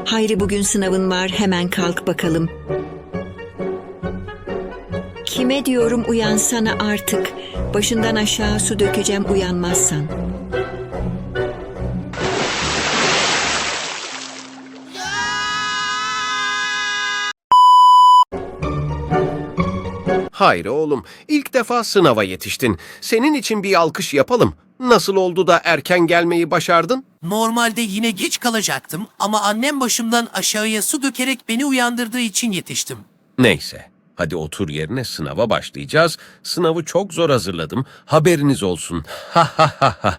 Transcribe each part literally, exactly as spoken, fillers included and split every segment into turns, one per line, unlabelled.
Hayri bugün sınavın var, hemen kalk bakalım. Kime diyorum uyansana artık. Başından aşağı su dökeceğim uyanmazsan.
Hayır oğlum, ilk defa sınava yetiştin. Senin için bir alkış yapalım. Nasıl oldu da erken gelmeyi başardın?
Normalde yine geç kalacaktım ama annem başımdan aşağıya su dökerek beni uyandırdığı için yetiştim.
Neyse, hadi otur yerine, sınava başlayacağız. Sınavı çok zor hazırladım. Haberiniz olsun. Ha ha ha ha.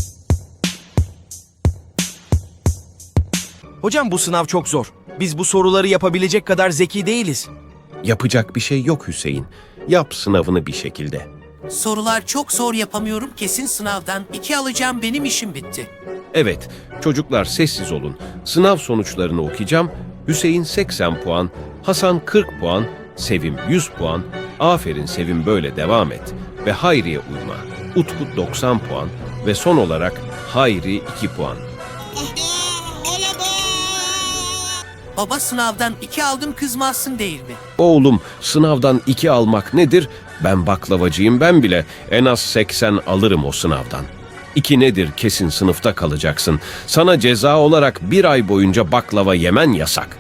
Hocam bu sınav çok zor. Biz bu soruları yapabilecek kadar zeki değiliz.
Yapacak bir şey yok Hüseyin. Yap sınavını bir şekilde.
Sorular çok zor, yapamıyorum, kesin sınavdan iki alacağım, benim işim bitti.
Evet, çocuklar sessiz olun. Sınav sonuçlarını okuyacağım. Hüseyin seksen puan, Hasan kırk puan, Sevim yüz puan, aferin Sevim böyle devam et ve Hayri'ye uyma. Utku doksan puan ve son olarak Hayri iki puan.
Baba, sınavdan iki aldım, kızmazsın değil mi?
Oğlum, sınavdan iki almak nedir? Ben baklavacıyım, ben bile en az seksen alırım o sınavdan. İki nedir? Kesin sınıfta kalacaksın. Sana ceza olarak bir ay boyunca baklava yemen yasak.